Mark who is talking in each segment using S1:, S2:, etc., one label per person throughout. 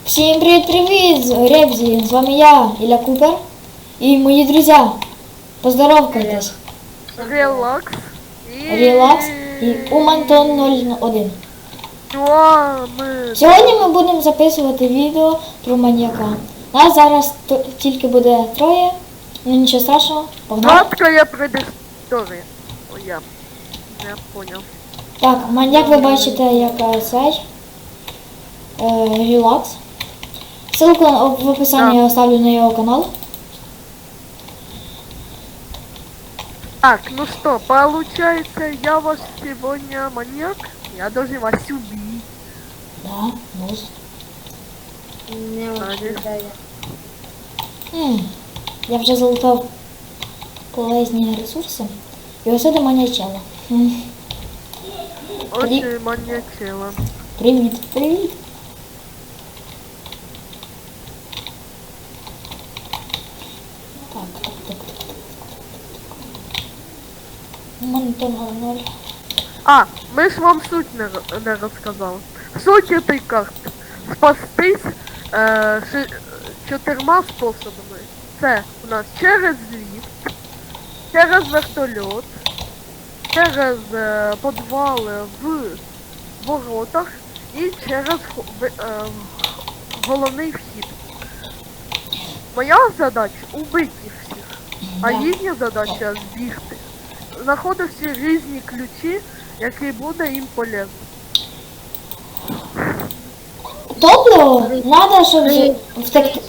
S1: Всем привет, Ребзи, с вами я, Илья Купер, и мои друзья. Поздоровайтесь.
S2: Релакс.
S1: Релакс и Умантон 01.
S2: Ми...
S1: Сьогодні ми будемо записувати відео про маньяка. Нас зараз тільки буде троє, ну нічого страшного, погнали.
S2: Краткая предыстория. О, я понял.
S1: Так, маньяк ви бачите як цей. Релакс. Ссылку в описании я оставлю на его канал.
S2: Так, ну что, получается, я вас сегодня маньяк? Я должен вас убить.
S1: Да, нос.
S3: Не очень, да,
S1: Я вже залутав полезні ресурси. І ось це маньячело.
S2: Очень маньячело.
S1: Привіт, привіт. Так. Монтон 0.
S2: А, мы ж вам суть не рассказал. Суть этой карты. Спастись 4 способами. Це у нас через ліфт, через вертольот, через підвали в воротах і через головний вхід. Моя задача убити їх всіх, а їхня задача збігти. Знаходив всі різні ключі, які буде їм полезно.
S1: Топливо надо, щоб втекти.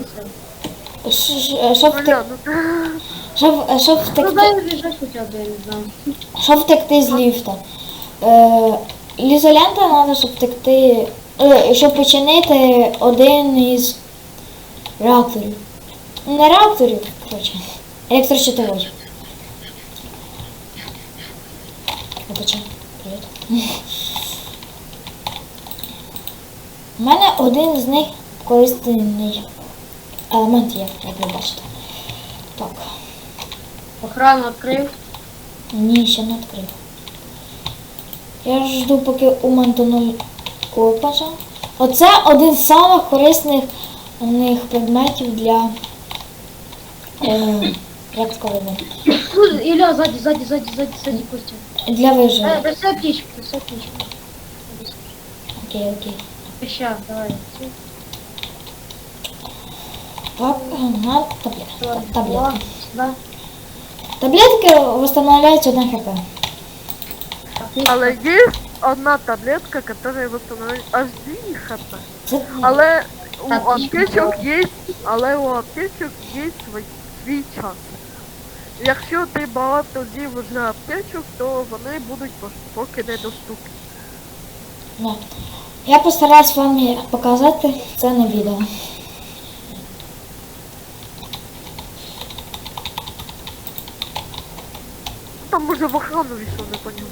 S1: Щоб
S2: Бля,
S1: щоб
S3: Ну
S1: втекти.
S3: дай лежать хотя бы, я не знаю.
S1: Щоб втекти з ліфта. Ізолента треба, щоб втекти. Щоб починити один із реакторів. Не реакторів, коротше. Електрощитовий. Вибачай. Привіт. У мене один з них корисний елемент є, як ви бачите. Так.
S3: Охрану открыл.
S1: Ні, ще не відкрив. Я жду, поки у Мантону копача. Оце один з самих корисних предметів для... як сказати?
S3: Тут, Илья, сзади, Костя.
S1: Для виживання.
S3: Бросай птичку.
S1: Окей.
S3: Ща, давай.
S1: Так, на таблетки.
S3: Да.
S1: Таблетки восстанавливають 1 хп.
S2: але є одна таблетка, яка восстановить аж 2 хп.
S1: Це...
S2: Але у
S3: Так,
S2: аптечок є, свій час. Якщо ти багато з'їв вже аптечок, то вони будуть поки недоступні.
S1: Да. Я постараюсь вам показати це на відео.
S2: Там може в охрану війшов, не поняв.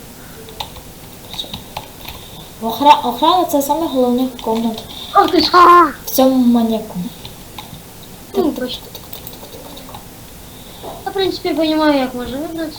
S1: Охрана це саме головних комнат
S3: Ах ты ж!
S1: в цьому маньяку.
S3: Ну, точно. Я, в принципе, понимаю, як можна вибратися.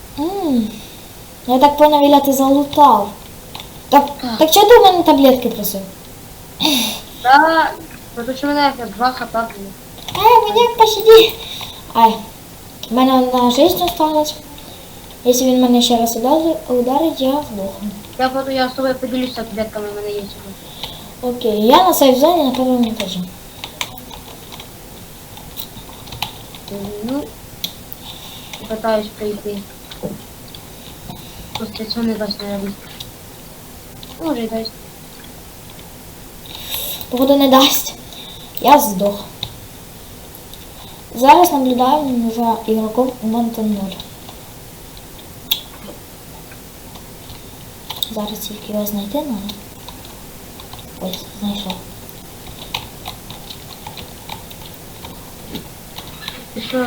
S1: Я так понял, Ілля, ти залутав. Так чого ти у мене таблетки просив?
S3: Да, потому що мене 2 хп було.
S1: Маньяк, пощади. Ай, в мене одна жизнь осталась. Якщо він мене ще раз ударить, я здохну.
S3: Я з тобою поділюся таблетками, в мене є сьогодні.
S1: Окей, я на сейф-зоні на першому етажі.
S3: Ну, пытаюсь пройти. Просто цього не дасть, наверное. Може і дасть.
S1: Походу не дасть. Я здох. Зараз наблюдаю за ігроком Монтон 0. Зараз тільки його знайти треба. Ось, знайшов.
S3: Ти що?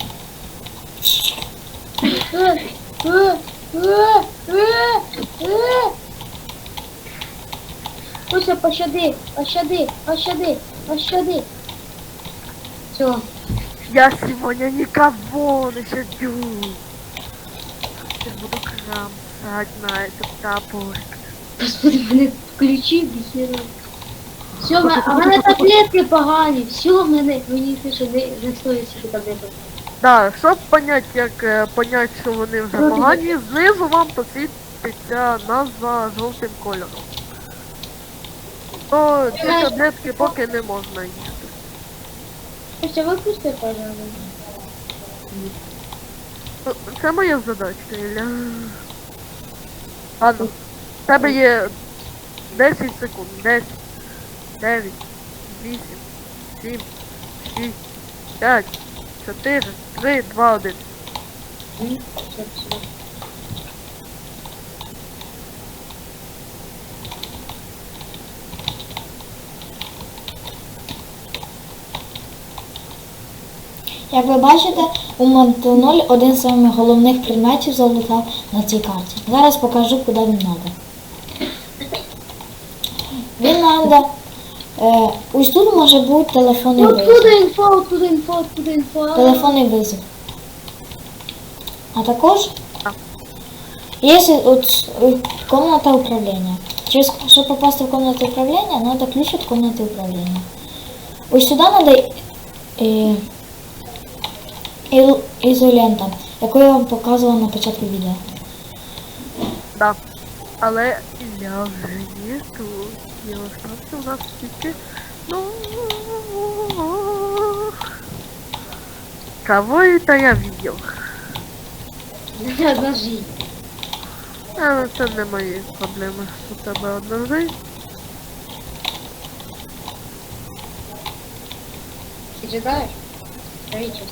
S3: Куся, пощади. Все.
S2: Я сегодня никого не щадю. Я буду кромсать на этот топор.
S3: Господи, блин, ключи, бихера. Все, а в мене таблетки погані. Все, мені пише, не стоїть собі таблеток.
S2: Да, щоб понять, як понять, що вони вже погані, знизу вам посвітиться назва жовтим кольором. То ці таблетки поки не можна їсти.
S3: Ще випусти, пожалуйста.
S2: Ну, це моя задачка, Ілля. Ладно, в тебе є 10 секунд. 10, 9, 8, 7, 6, 5, 4, 3, 2, 1.
S1: Як ви бачите, у Монту 0 один з самих головних предметів залутав на цій карті. Зараз покажу, куди він треба. Він треба... ось тут може бути телефонний
S3: Откуда
S1: визов.
S3: інфо, откуда інфо, откуда інфо?
S1: Телефонний визов. А також є комната управління. Щоб попасти в комнату управління, треба ключ від комнати управління. Ось сюди треба ізолента, яку я вам показувала на початку відео.
S2: Да. Але Ілля вже є тут. І остався у нас тільки... Ну... Кого это я видел?
S3: Одна жизнь.
S2: Ну, це не мої проблеми. У тебе одна жизнь.
S3: Ты читаешь? Правительство.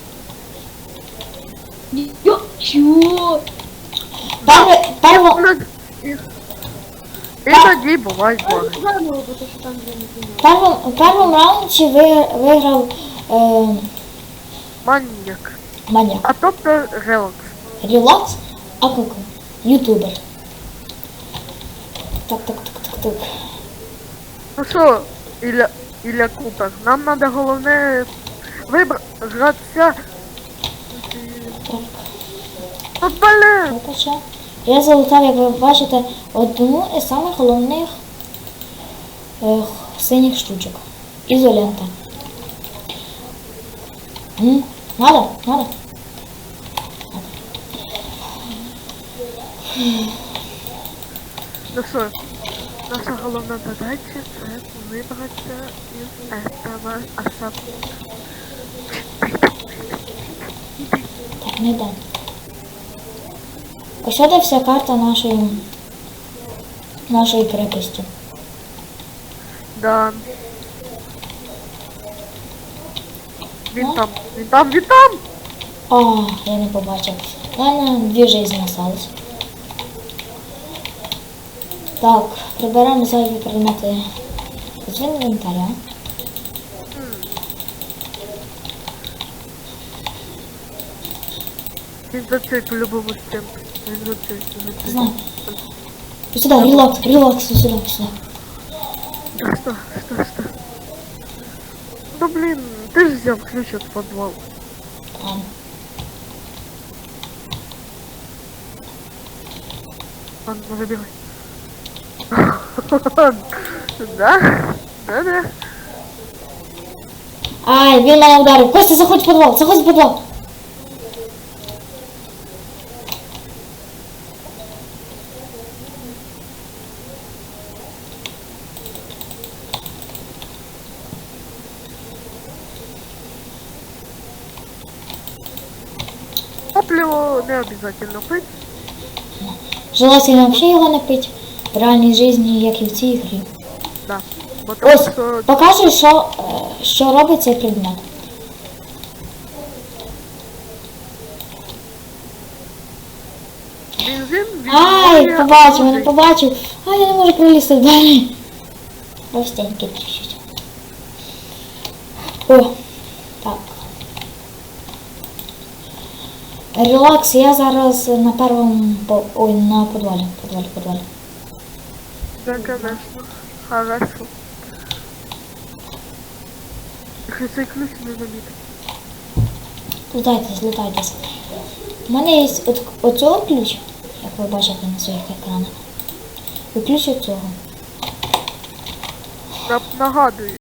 S3: Ё, чё?
S2: Іноді бувають баги.
S3: Заново, потому что там уже не понимаю.
S1: У першому раунді виграв
S2: Маньяк.
S1: маньяк.
S2: А тобто релакс.
S1: Релакс, а как? Ютубер. Так.
S2: Ну що, Ілля Купер, нам треба головне вибратися.
S1: Так,
S2: Ну, блин!
S1: вибачте. Я залутав, як ви бачите, одну із самих головних синіх штучок. Ізолента. Надо?
S2: Ну що, наша головна задача це вибратися із этого особняка.
S1: Так, не йде. Ось де вся карта нашої крепості.
S2: Да. Він там!
S1: А, я не побачив. У мене 2 жизни осталось. Так, приберемо зайві предмети з інвентаря.
S2: Він за цей по-любому стінку. Він за цей.
S1: Знаю. Ось сюди, релакс, ось сюди.
S2: Что? Ну блин, ты же взял ключ от подвала.
S1: Ладно.
S2: Ладно, забирай. Да? Да.
S1: Ай, він мене ударив. Костя, заходь в підвал,
S2: Топливо не обязательно пить.
S1: Желательно вообще його не пить. В реальній житті, як і в цій грі.
S2: Да. Потому
S1: Ось,
S2: що
S1: покажу, що робить цей предмет.
S2: бензин
S1: Ай,
S2: відбуває
S1: побачив,
S2: води.
S1: не побачив. Ай, я не можу пролізти далі. Простенький чуть-чуть. О, так. Релакс, я зараз на першому, ой, на підвалі.
S2: Да, конечно. Хорошо. Якщо цей ключ не забити.
S1: Лутайтесь. У мене є оцього ключ, як ви бачите на своїх екранах. І ключ оцього.
S2: Нагадую.